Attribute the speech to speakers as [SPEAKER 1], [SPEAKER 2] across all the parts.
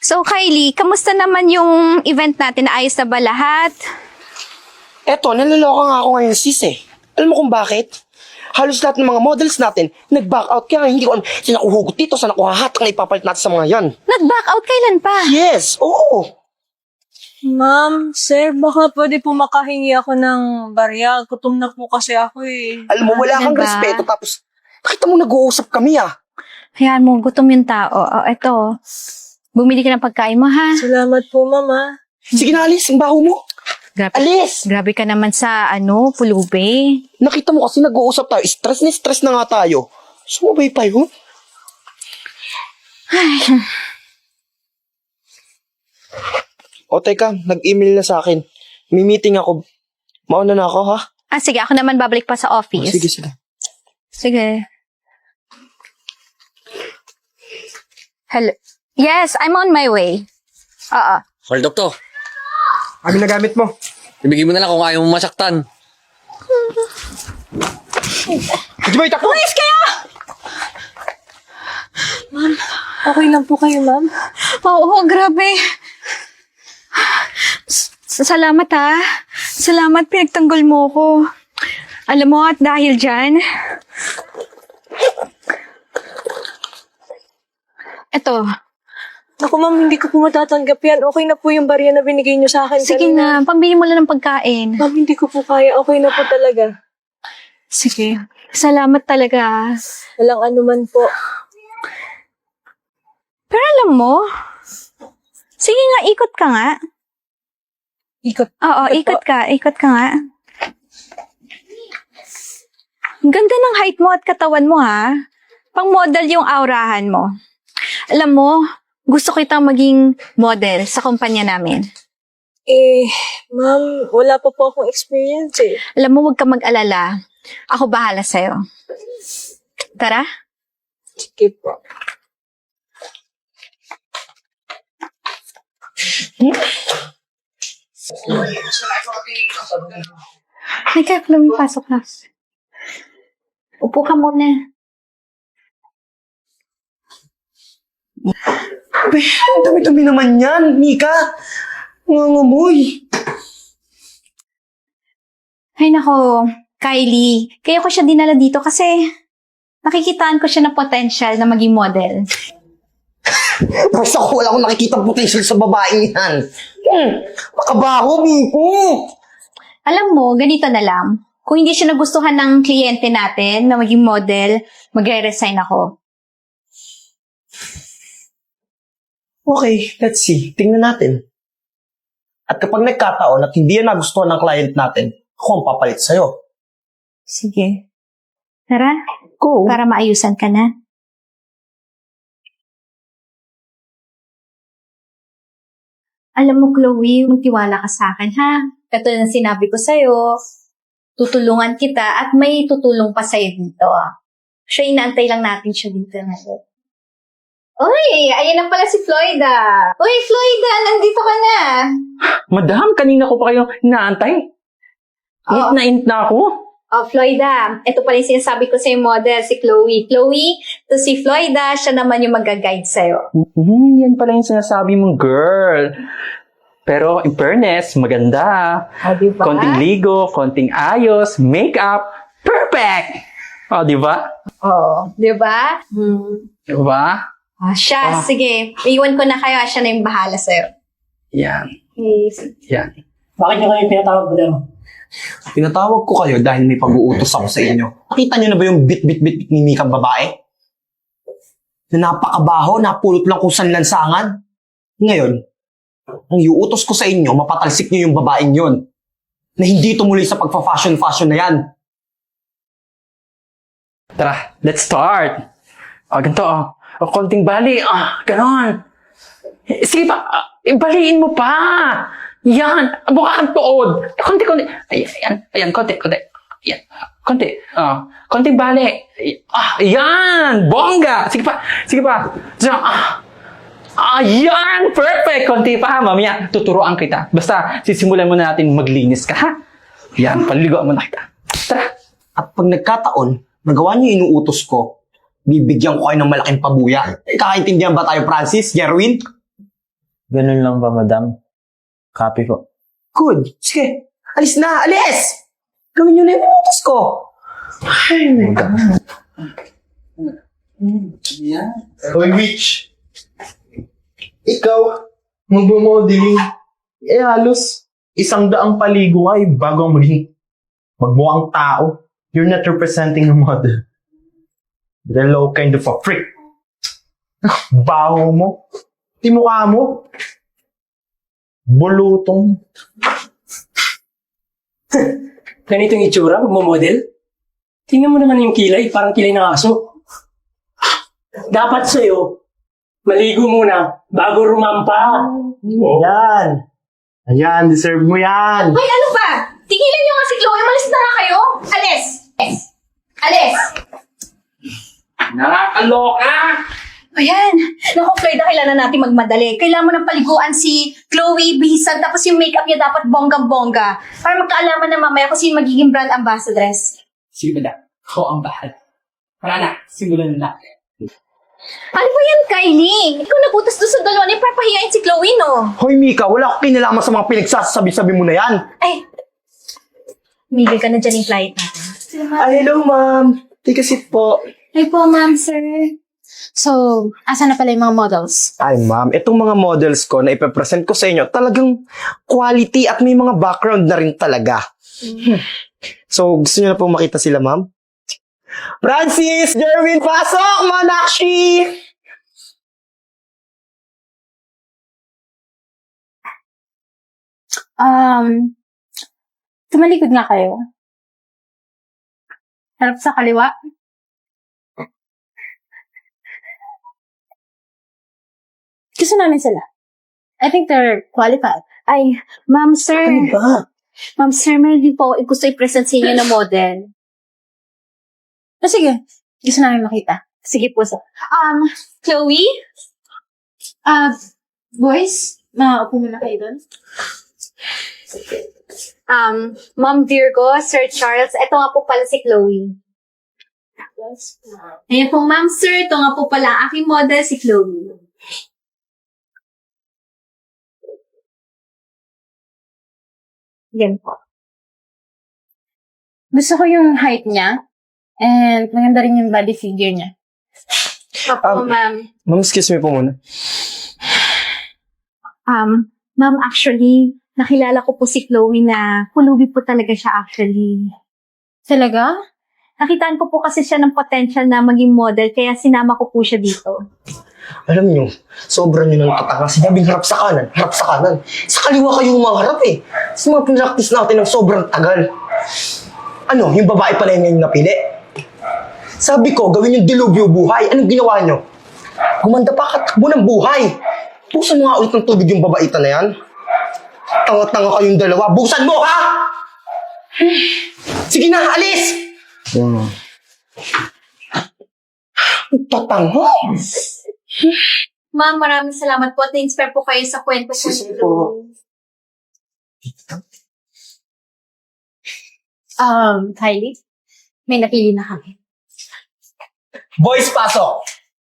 [SPEAKER 1] So, Kylie, kamusta naman yung event natin? Ayos na ba lahat?
[SPEAKER 2] Eto, naloloka nga ako ngayon, sis eh. Alam mo kung bakit? Halos lahat ng mga models natin, nag-back out kaya hindi ko alam saan ako hugot dito, saan ako hahat ang ipapalit natin sa mga yan.
[SPEAKER 1] Nag-back out kailan pa?
[SPEAKER 2] Yes, oo.
[SPEAKER 3] Ma'am, sir, baka pwede po makahingi ako ng barya. Gutom na po kasi ako eh.
[SPEAKER 2] Alam mo, wala kang
[SPEAKER 1] Diba?
[SPEAKER 2] respeto tapos nakita mo nag-uusap kami ah.
[SPEAKER 1] Hayaan mo, gutom yung tao. Eto, bumili ka ng pagkain mo, ha?
[SPEAKER 3] Salamat po, ma'am, ha.
[SPEAKER 2] Sige na, alis, ang baho mo.
[SPEAKER 1] Grabe,
[SPEAKER 2] Alis!
[SPEAKER 1] grabe ka naman sa, pulubi.
[SPEAKER 2] Nakita mo kasi nag-uusap tayo, stress na nga tayo. Sumabay pa yun. O teka, nag-email na sa akin. May meeting ako. Mauna na ako, ha?
[SPEAKER 1] Sige, ako naman babalik pa sa office.
[SPEAKER 2] Sige, sige.
[SPEAKER 1] Sige. Hello. Yes, I'm on my way. Oo.
[SPEAKER 4] Hold up to.
[SPEAKER 2] Ano na gamit mo?
[SPEAKER 4] Ibigay mo na lang kung ayaw mo masaktan.
[SPEAKER 2] Hindi ba itakbo?
[SPEAKER 1] Please kayo!
[SPEAKER 3] Okay lang po kayo, ma'am.
[SPEAKER 1] Oo, grabe. Salamat, ha. Salamat, pinagtanggol mo ko. Alam mo, at dahil dyan, eto,
[SPEAKER 3] Ako, ma'am, hindi ko po matatanggap yan. Okay na po yung barya na binigay niyo sa akin.
[SPEAKER 1] sige
[SPEAKER 3] kanina.
[SPEAKER 1] na, pambili mo lang ng pagkain.
[SPEAKER 3] Ma'am, hindi ko po kaya. Okay na po talaga.
[SPEAKER 1] Sige. Salamat talaga.
[SPEAKER 3] Walang anuman po.
[SPEAKER 1] Pero alam mo, sige nga, ikot ka nga.
[SPEAKER 3] Ikot.
[SPEAKER 1] Oo, ikot ka nga. Ang ganda ng height mo at katawan mo, ha? Pang model yung aurahan mo. Alam mo, gusto kitang maging model sa kumpanya namin.
[SPEAKER 3] Ma'am, wala pa po akong experience eh.
[SPEAKER 1] Alam mo, huwag ka mag-alala. Ako bahala sa'yo. Tara?
[SPEAKER 3] Sige po.
[SPEAKER 1] Nagka-Chloe, pasok na. Upo ka muna.
[SPEAKER 2] Ang dami-dami naman yan, Mika. Nangangamoy.
[SPEAKER 1] Ay nako, Kylie. Kaya ko siya dinala dito kasi nakikitaan ko siya ng potential na maging model.
[SPEAKER 2] Basta ko wala akong nakikita potential sa babaeng yan. Makabaho, Miko.
[SPEAKER 1] Alam mo, ganito na lang. Kung hindi siya nagustuhan ng kliyente natin na maging model, magre-resign ako.
[SPEAKER 2] Okay, let's see. Tingnan natin. At kapag nagkataon at hindi yan nagustuhan ng client natin, ako ang papalit sa'yo.
[SPEAKER 1] Sige. Tara,
[SPEAKER 2] Go.
[SPEAKER 1] para maayusan ka na. Alam mo, Chloe, magtiwala ka sa akin, ha? Katulad ng sinabi ko sa'yo, tutulungan kita at may tutulong pa sa'yo dito. Siya, inaantay lang natin siya dito. Uy, ayan na pala si Floyda. Uy, Floyda, nandito ka na.
[SPEAKER 5] Madam, kanina ko pa kayo inaantay.
[SPEAKER 1] Oo.
[SPEAKER 5] Int na ako.
[SPEAKER 1] Oh, Floyda, ito pala yung sinasabi ko sa'yo model, si Chloe. Chloe, to si Floyda, siya naman yung mag-guide sa'yo.
[SPEAKER 5] Yan pala yung sinasabi mong girl. Pero in fairness, maganda.
[SPEAKER 1] Diba?
[SPEAKER 5] Konting ligo, konting ayos, makeup, perfect! Diba?
[SPEAKER 1] Oh, diba?
[SPEAKER 5] Diba?
[SPEAKER 1] Siya, sige. Iwan ko na kayo, siya na yung bahala sa'yo.
[SPEAKER 5] Yan.
[SPEAKER 1] Okay.
[SPEAKER 5] Yan.
[SPEAKER 6] Bakit nyo kayo pinatawag ko daw?
[SPEAKER 2] Pinatawag ko kayo dahil may pag-uutos ako sa inyo. Nakita niyo na ba yung bit-bit-bit ni Mikang babae? Na napakabaho, napulot lang kung saan lansangan. Ngayon, ang iuutos ko sa inyo, mapatalsik niyo yung babaeng yon na hindi tumuloy sa pagpa-fashion na yan.
[SPEAKER 5] Tara, let's start. Ganito, konting bali. Ganon. Sige pa, baliin mo pa. Yan, mukha kang tuod. Konti. Ayan, konti. Yan, konti. Konting bali. Yan, bongga. Sige pa. Yan, perfect. Konti pa, mamaya, tuturuan kita. Basta, sisimulan muna natin maglinis ka, ha? Yan, paliligoan mo na kita. Tara.
[SPEAKER 2] At pag nagkataon, nagawa niyo yung inuutos ko, bibigyan ko kayo ng malaking pabuya. Kakaintindihan ba tayo, Francis? Jerwin?
[SPEAKER 7] Ganun lang ba, madam? Copy po.
[SPEAKER 2] Good. Sige. Alis na. Alis! Gawin nyo na yung utos ko. Ay, my God.
[SPEAKER 8] Hoy, Mitch. Ikaw, magmo-modeling. Halos 100 paligo ay bago ang magmukhang tao. You're not representing a model. You're a low kind of a freak. Baho mo. Timukha mo. Bulutong.
[SPEAKER 6] Ganito yung itsura, magmamodel. Tingnan mo naman yung kilay, parang kilay ng aso. Dapat sa'yo, maligo muna bago rumampa.
[SPEAKER 8] Yan. Ayan, deserve mo yan.
[SPEAKER 1] Ay, ano ba? Tigilan niyo nga si Chloe. Malis na nga kayo. Alis! Alis!
[SPEAKER 5] Nakakaloka!
[SPEAKER 1] Ayan. Naku, Floyd, kailangan natin magmadali. Kailangan mo ng paliguan si Chloe, bisan, tapos yung makeup niya dapat bonggang-bongga. Para magkaalaman na mamaya kung sino magiging brand ambassadress.
[SPEAKER 5] Sige, madam. Ako ang bahal. Wala na. Simulan na natin.
[SPEAKER 1] Ano ba yan, Kylie? Ikaw nagutos doon sa dalawa na ipapahiyain si Chloe, no?
[SPEAKER 2] Hoy, Mika, wala akong kinalaman sa mga pinagsasabi-sabi mo na yan.
[SPEAKER 1] Ay, migil ka na dyan yung flight natin.
[SPEAKER 2] Ay, hello, ma'am. Take a seat po.
[SPEAKER 9] Hi po, ma'am, sir. So, asa na pala yung mga models?
[SPEAKER 2] Ay, ma'am, itong mga models ko na ipapresent ko sa inyo, talagang quality at may mga background na rin talaga. So, gusto niyo na po makita sila, ma'am? Francis! Jerwin, pasok! Manakshi!
[SPEAKER 9] Tumalikod nga kayo. Harap sa kaliwa. Gusto namin sila. I think they're qualified.
[SPEAKER 1] Ay, ma'am, sir.
[SPEAKER 2] Ano ba?
[SPEAKER 1] Ma'am, sir, meron din po gusto i-present sa inyo na model.
[SPEAKER 9] Sige. Gusto namin makita.
[SPEAKER 1] Sige po, sir. Chloe?
[SPEAKER 9] Boys, makaupo muna kayo doon.
[SPEAKER 1] Ma'am Virgo, Sir Charles, ito nga po pala si Chloe. Ayan po, ma'am, sir. Ito nga po pala ang aking model, si Chloe. Yan po.
[SPEAKER 9] Gusto ko yung height niya. And maganda rin yung body figure niya.
[SPEAKER 1] Opo, ma'am.
[SPEAKER 2] Ma'am, excuse me po muna.
[SPEAKER 1] Ma'am, actually, nakilala ko po si Chloe na pulubi po talaga siya actually.
[SPEAKER 9] Talaga?
[SPEAKER 1] Nakitaan ko po kasi siya ng potential na maging model, kaya sinama ko po siya dito.
[SPEAKER 2] Alam niyo, sobrang nyo nang katanga. Sinabing harap sa kanan, harap sa kanan. Sa kaliwa kayo humaharap eh. Sa mga pinractice natin ng sobrang tagal. Ano, yung babae pala yung ngayon napili? Sabi ko, gawin yung dilubyo buhay. Anong ginawa nyo? Gumanda pa katakbo ng buhay. Busan mo nga ulit ng tubig yung babaita na yan. Tanga-tanga kayong dalawa. Busan mo, ha? Sige na, alis! Tatanga.
[SPEAKER 1] Ma'am, maraming salamat po at na-inspire po kayo sa kwento ko
[SPEAKER 2] Sige
[SPEAKER 1] nito.
[SPEAKER 2] po.
[SPEAKER 9] Kylie, may napili na kami.
[SPEAKER 2] Boys, pasok!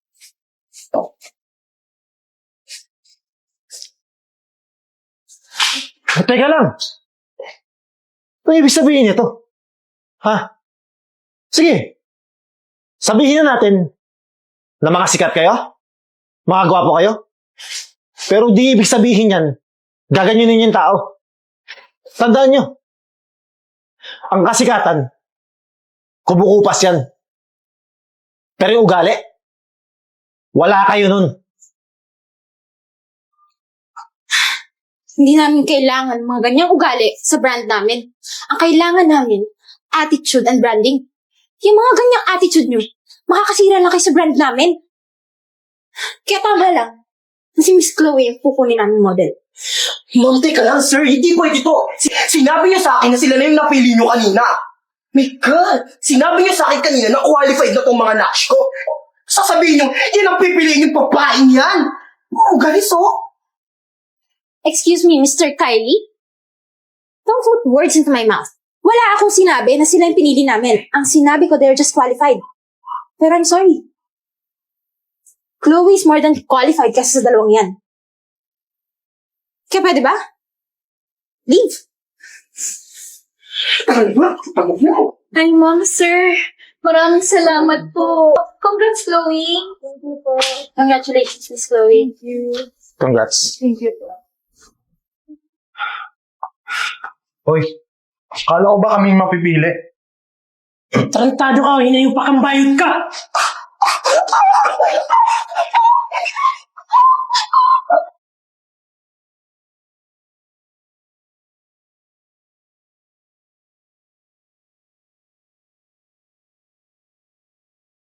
[SPEAKER 8] Teka lang. Ano ibig sabihin nito? Ha? Sige. Sabihin na natin na mga sikat kayo? Mga gwapo kayo? Pero di ibig sabihin yan, gaganyanin yung tao. Tandaan nyo, ang kasikatan, kumukupas yan. Pero yung ugali, wala kayo nun.
[SPEAKER 9] Hindi namin kailangan mga ganyang ugali sa brand namin. Ang kailangan namin, attitude and branding. Yung mga ganyang attitude nyo, makakasira lang kayo sa brand namin. Kaya tama lang, na si Miss Chloe ang pupunin namin model.
[SPEAKER 2] Ma'am, teka lang, sir. Hindi pwede to. Sinabi niyo sa akin na sila na yung napili niyo kanina. My God! Sinabi niyo sa akin kanina na qualified na tong mga nash ko. Sasabihin niyo, yan ang pipiliin yung babaeng yan. Oh, galis oh.
[SPEAKER 9] Excuse me, Mr. Kylie? Don't put words into my mouth. Wala akong sinabi na sila yung pinili namin. Ang sinabi ko, they're just qualified. Pero I'm sorry. Chloe is more than qualified kasi sa dalawang yan. Kaya pwede ba? Leave.
[SPEAKER 1] Ay, ma'am, sir. Maraming salamat po. Congrats, Chloe.
[SPEAKER 9] Thank you po. Congratulations, Miss Chloe. Thank you.
[SPEAKER 8] Congrats.
[SPEAKER 9] Thank you po.
[SPEAKER 8] Hoy, kala ko ba kaming mapipili?
[SPEAKER 6] Tarantado ka, hinayo pa kang bayot ka!